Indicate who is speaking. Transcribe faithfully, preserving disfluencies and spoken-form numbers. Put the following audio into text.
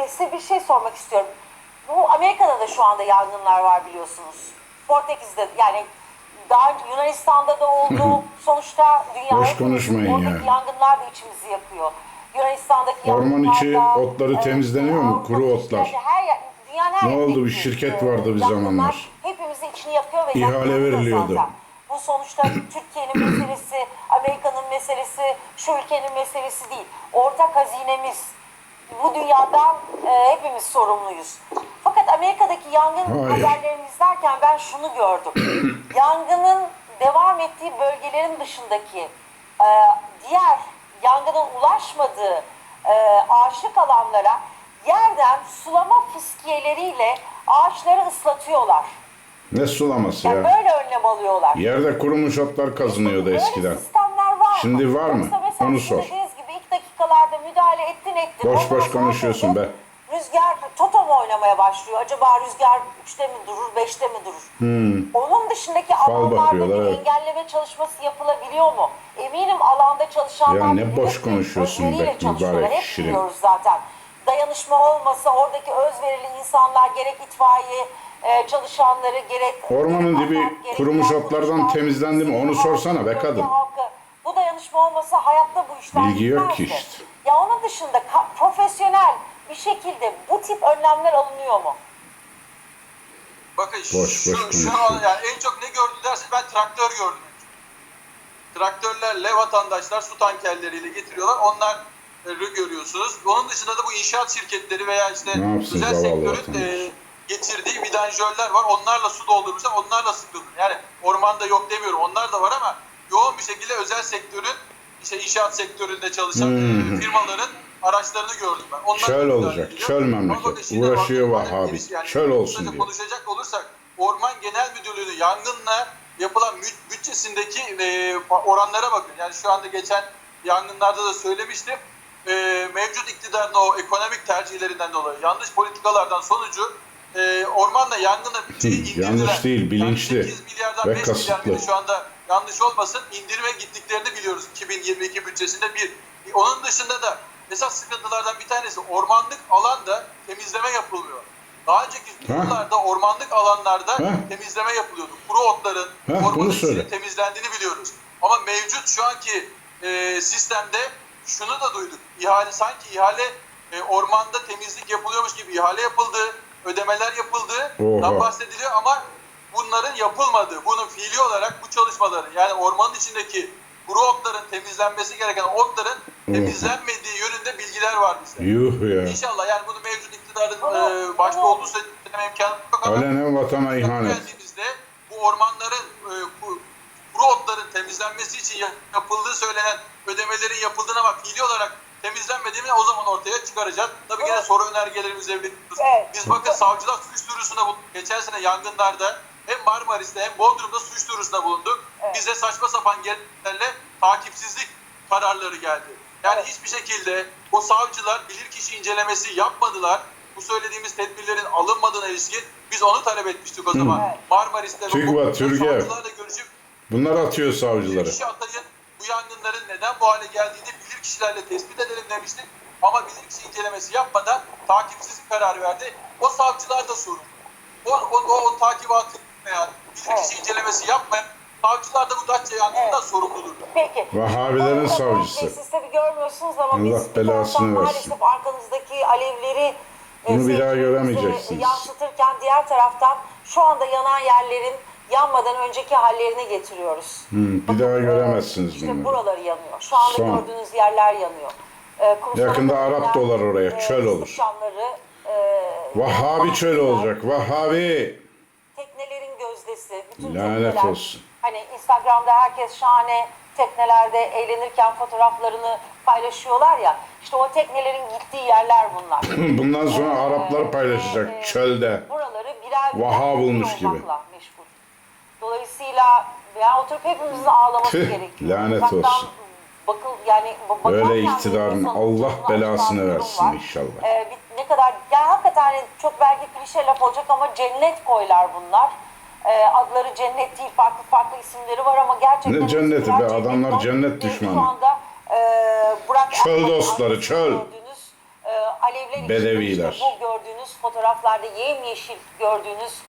Speaker 1: e, size bir şey sormak istiyorum. Bu Amerika'da da şu anda yangınlar var biliyorsunuz. Portekiz'de yani daha önce Yunanistan'da da oldu. Sonuçta dünya
Speaker 2: Boş konuşmayın
Speaker 1: oradaki
Speaker 2: ya.
Speaker 1: yangınlar da içimizi yakıyor. Yunanistan'daki
Speaker 2: Orman içi
Speaker 1: yangınlarda,
Speaker 2: otları
Speaker 1: e,
Speaker 2: temizleniyor mu?
Speaker 1: Avrupa
Speaker 2: Kuru
Speaker 1: kışlarında
Speaker 2: otlar.
Speaker 1: Her yer, dünyanın her
Speaker 2: Ne oldu? Bir
Speaker 1: yerindeki,
Speaker 2: şirket
Speaker 1: e,
Speaker 2: vardı bir
Speaker 1: yangınlar
Speaker 2: zamanlar.
Speaker 1: hepimizin içini yakıyor ve
Speaker 2: İhale
Speaker 1: yakıyordu da
Speaker 2: veriliyordu.
Speaker 1: zaten. Bu sonuçta Türkiye'nin meselesi, Amerika'nın meselesi, şu ülkenin meselesi değil. Ortak hazinemiz. Bu dünyadan e, hepimiz sorumluyuz. Fakat Amerika'daki yangın
Speaker 2: Hayır.
Speaker 1: haberlerini izlerken ben şunu gördüm. Yangının devam ettiği bölgelerin dışındaki e, diğer yangının ulaşmadığı e, ağaçlık alanlara yerden sulama fıskiyeleriyle ağaçları ıslatıyorlar.
Speaker 2: Ne sulaması
Speaker 1: Yani
Speaker 2: ya?
Speaker 1: böyle önlem alıyorlar.
Speaker 2: Yerde kurumuş otlar kazınıyordu
Speaker 1: Böyle
Speaker 2: eskiden.
Speaker 1: sistemler var mı?
Speaker 2: Şimdi var mı?
Speaker 1: Yoksa mesela
Speaker 2: Onu
Speaker 1: sizin
Speaker 2: sor.
Speaker 1: dediğiniz gibi ilk dakikalarda müdahale ettin ettin.
Speaker 2: Boş
Speaker 1: Ondan
Speaker 2: boş
Speaker 1: sonra
Speaker 2: konuşuyorsun
Speaker 1: durdun.
Speaker 2: be.
Speaker 1: Rüzgar toto mu oynamaya başlıyor? Acaba rüzgar üçte mi durur, beşte mi durur?
Speaker 2: Hmm.
Speaker 1: Onun dışındaki alanlarda
Speaker 2: bakıyorlar,
Speaker 1: bir
Speaker 2: evet.
Speaker 1: engelleme çalışması yapılabiliyor mu? Eminim alanda çalışanlar
Speaker 2: Ya ne
Speaker 1: büyük
Speaker 2: boş
Speaker 1: bir
Speaker 2: konuşuyorsun
Speaker 1: özveriyle
Speaker 2: be,
Speaker 1: çalışıyorlar.
Speaker 2: mübarek
Speaker 1: Hep
Speaker 2: şirin.
Speaker 1: biliyoruz zaten. Dayanışma olmasa oradaki özverili insanlar gerek itfaiye e, çalışanları gerek
Speaker 2: Ormanın
Speaker 1: gerek
Speaker 2: dibi
Speaker 1: AFAD, gerek
Speaker 2: kurumuş
Speaker 1: diğer
Speaker 2: otlardan
Speaker 1: kuruluşlar,
Speaker 2: temizlendi mi? Onu
Speaker 1: sivil
Speaker 2: sorsana be
Speaker 1: halk, bölge
Speaker 2: kadın.
Speaker 1: halkı. Bu dayanışma olmasa hayatta bu işler
Speaker 2: Bilgi yok ki
Speaker 1: gitmezdi.
Speaker 2: işte.
Speaker 1: Ya onun dışında ka- profesyonel bir şekilde bu tip önlemler alınıyor mu?
Speaker 3: Bakın
Speaker 2: Boş
Speaker 3: şu,
Speaker 2: boş
Speaker 3: şu an
Speaker 2: konuşuyor.
Speaker 3: yani en çok ne gördü derse ben traktör gördüm. Traktörlerle vatandaşlar su tankerleriyle getiriyorlar. Onları görüyorsunuz. Onun dışında da bu inşaat şirketleri veya işte
Speaker 2: Ne yapsın
Speaker 3: özel
Speaker 2: zavallı
Speaker 3: sektörün
Speaker 2: vatandaş?
Speaker 3: e, getirdiği vidanjörler var. Onlarla su doldurmuşlar. Onlarla sıkılır. Yani ormanda yok demiyorum. Onlar da var ama yoğun bir şekilde özel sektörün işte inşaat sektöründe çalışan
Speaker 2: Hı hı.
Speaker 3: e, firmaların araçlarını gördüm ben. Onlar
Speaker 2: Çöl
Speaker 3: müdahale
Speaker 2: olacak,
Speaker 3: ediliyor.
Speaker 2: çöl
Speaker 3: Ama
Speaker 2: memleket.
Speaker 3: bakın şimdi
Speaker 2: Uğraşıyor
Speaker 3: bakın,
Speaker 2: Vahhabi.
Speaker 3: birisi yani
Speaker 2: Çöl olsun
Speaker 3: kısaca
Speaker 2: diyor.
Speaker 3: konuşacak olursak Orman Genel Müdürlüğü'nün yangınla yapılan büt- bütçesindeki e, oranlara bakın. Yani şu anda geçen yangınlarda da söylemiştim. E, mevcut iktidarın o ekonomik tercihlerinden dolayı yanlış politikalardan sonucu e, ormanla yangına bütçeyi
Speaker 2: Hı,
Speaker 3: indirdiler.
Speaker 2: yanlış değil, bilinçli
Speaker 3: Yani sekiz milyardan
Speaker 2: ve
Speaker 3: beş milyar
Speaker 2: kasıtlı.
Speaker 3: mıydı şu anda yanlış olmasın indirime gittiklerini biliyoruz iki bin yirmi iki bütçesinde bir. Onun dışında da esas sıkıntılardan bir tanesi ormanlık alanda temizleme yapılmıyor. Daha önceki yıllarda ormanlık alanlarda
Speaker 2: Ha?
Speaker 3: temizleme yapılıyordu. Kuru otların,
Speaker 2: Ha, bunu
Speaker 3: ormanın
Speaker 2: söyle.
Speaker 3: içinin temizlendiğini biliyoruz. Ama mevcut şu anki e, sistemde şunu da duyduk. İhale sanki ihale e, ormanda temizlik yapılıyormuş gibi ihale yapıldı, ödemeler yapıldı.
Speaker 2: Oha.
Speaker 3: bahsediliyor ama bunların yapılmadığı, bunun fiili olarak bu çalışmaların yani ormanın içindeki kuru otların temizlenmesi gereken otların temizlenmediği yönünde bilgiler var bizde.
Speaker 2: Yuh ya.
Speaker 3: İnşallah yani bunu mevcut iktidarın
Speaker 1: Bunu-
Speaker 3: e, başta
Speaker 1: bunu-
Speaker 3: olduğu sürece imkanı yok ama
Speaker 2: Alenen vatana ihanet.
Speaker 3: geldiğimizde bu ormanların e, bu, kuru otların temizlenmesi için ya- yapıldığı söylenen ödemelerin yapıldığına ama fiili olarak temizlenmediğini o zaman ortaya çıkaracağız. Tabii yine soru önergelerimizle bekliyoruz.
Speaker 1: Evet.
Speaker 3: Biz bakın savcılar suç duyurusunda bulunduk. Geçen sene yangınlarda hem Marmaris'te hem Bodrum'da suç duyurusunda bulunduk.
Speaker 1: Evet.
Speaker 3: Bize saçma sapan gerekçelerle takipsizlik kararları geldi. Yani
Speaker 1: Evet.
Speaker 3: hiçbir şekilde o savcılar bilirkişi incelemesi yapmadılar. Bu söylediğimiz tedbirlerin alınmadığına ilişkin biz onu talep etmiştik o zaman.
Speaker 1: Evet.
Speaker 3: Marmaris'te ve
Speaker 2: TÜGVA,
Speaker 3: Bodrum'da
Speaker 2: Türgev.
Speaker 3: savcılarla görüşüp
Speaker 2: Bunlar atıyor savcıları.
Speaker 3: bilirkişi atayın bu yangınların neden bu hale geldiğini bilirkişilerle tespit edelim demiştik. Ama bilirkişi incelemesi yapmadan takipsizlik kararı verdi. O savcılar da sorumlu. O, o, o, o takibatı veya bilirkişi
Speaker 1: Evet.
Speaker 3: incelemesi yapmayan savcılar da bu Datça yangınından
Speaker 1: Evet.
Speaker 3: sorumludur.
Speaker 1: Peki.
Speaker 2: Vahhabilerin
Speaker 1: Ee,
Speaker 2: savcısı.
Speaker 1: Bey, siz tabii görmüyorsunuz ama
Speaker 2: Allah
Speaker 1: biz bir
Speaker 2: belasını
Speaker 1: taraftan
Speaker 2: versin.
Speaker 1: maalesef arkanızdaki alevleri e,
Speaker 2: Bunu bir daha
Speaker 1: seyircilerimize
Speaker 2: göremeyeceksiniz.
Speaker 1: yansıtırken diğer taraftan şu anda yanan yerlerin yanmadan önceki hallerine getiriyoruz.
Speaker 2: Hı, bir daha göremezsiniz
Speaker 1: işte
Speaker 2: bunları.
Speaker 1: buraları yanıyor. Şu anda
Speaker 2: Son.
Speaker 1: gördüğünüz yerler yanıyor. Ee, kumsala
Speaker 2: Yakında
Speaker 1: dökülen,
Speaker 2: Arap dolar oraya,
Speaker 1: e,
Speaker 2: çöl olur.
Speaker 1: sıçanları, e,
Speaker 2: Vahhabi çöl
Speaker 1: bahçeler,
Speaker 2: olacak. Vahhabi.
Speaker 1: teknelerin gözdesi, bütün
Speaker 2: Lanet
Speaker 1: tekneler.
Speaker 2: olsun.
Speaker 1: Hani Instagram'da herkes şahane teknelerde eğlenirken fotoğraflarını paylaşıyorlar ya. İşte o teknelerin gittiği yerler bunlar.
Speaker 2: Bundan sonra
Speaker 1: Ee,
Speaker 2: Araplar
Speaker 1: ve,
Speaker 2: paylaşacak
Speaker 1: e,
Speaker 2: çölde.
Speaker 1: Buraları birer birer
Speaker 2: Vaha
Speaker 1: tekne
Speaker 2: bulmuş gibi.
Speaker 1: olmakla meşgul. Dolayısıyla yani oturup hepimizin ağlaması
Speaker 2: Tüh,
Speaker 1: gerekiyor.
Speaker 2: lanet
Speaker 1: Uzaktan
Speaker 2: olsun.
Speaker 1: Bakıl, yani bakarken
Speaker 2: Öyle
Speaker 1: bile
Speaker 2: iktidarın
Speaker 1: insanın
Speaker 2: Allah
Speaker 1: canını
Speaker 2: belasını
Speaker 1: acıtan bir durum
Speaker 2: versin
Speaker 1: var.
Speaker 2: inşallah.
Speaker 1: Ee, bir- ne kadar yani hakikaten hani çok belki klişe laf olacak ama cennet koylar bunlar. Ee, adları cennet değil, farklı farklı isimleri var ama gerçekten
Speaker 2: Ne cenneti
Speaker 1: birer
Speaker 2: be,
Speaker 1: cennet
Speaker 2: adamlar
Speaker 1: koy.
Speaker 2: cennet
Speaker 1: Ve
Speaker 2: düşmanı.
Speaker 1: Şu anda e, Burak
Speaker 2: Çöl
Speaker 1: Erkan'ın
Speaker 2: dostları,
Speaker 1: arkasında
Speaker 2: çöl.
Speaker 1: gördüğünüz e, alevler içinde
Speaker 2: Bedeviler.
Speaker 1: işte bu gördüğünüz fotoğraflarda yemyeşil gördüğünüz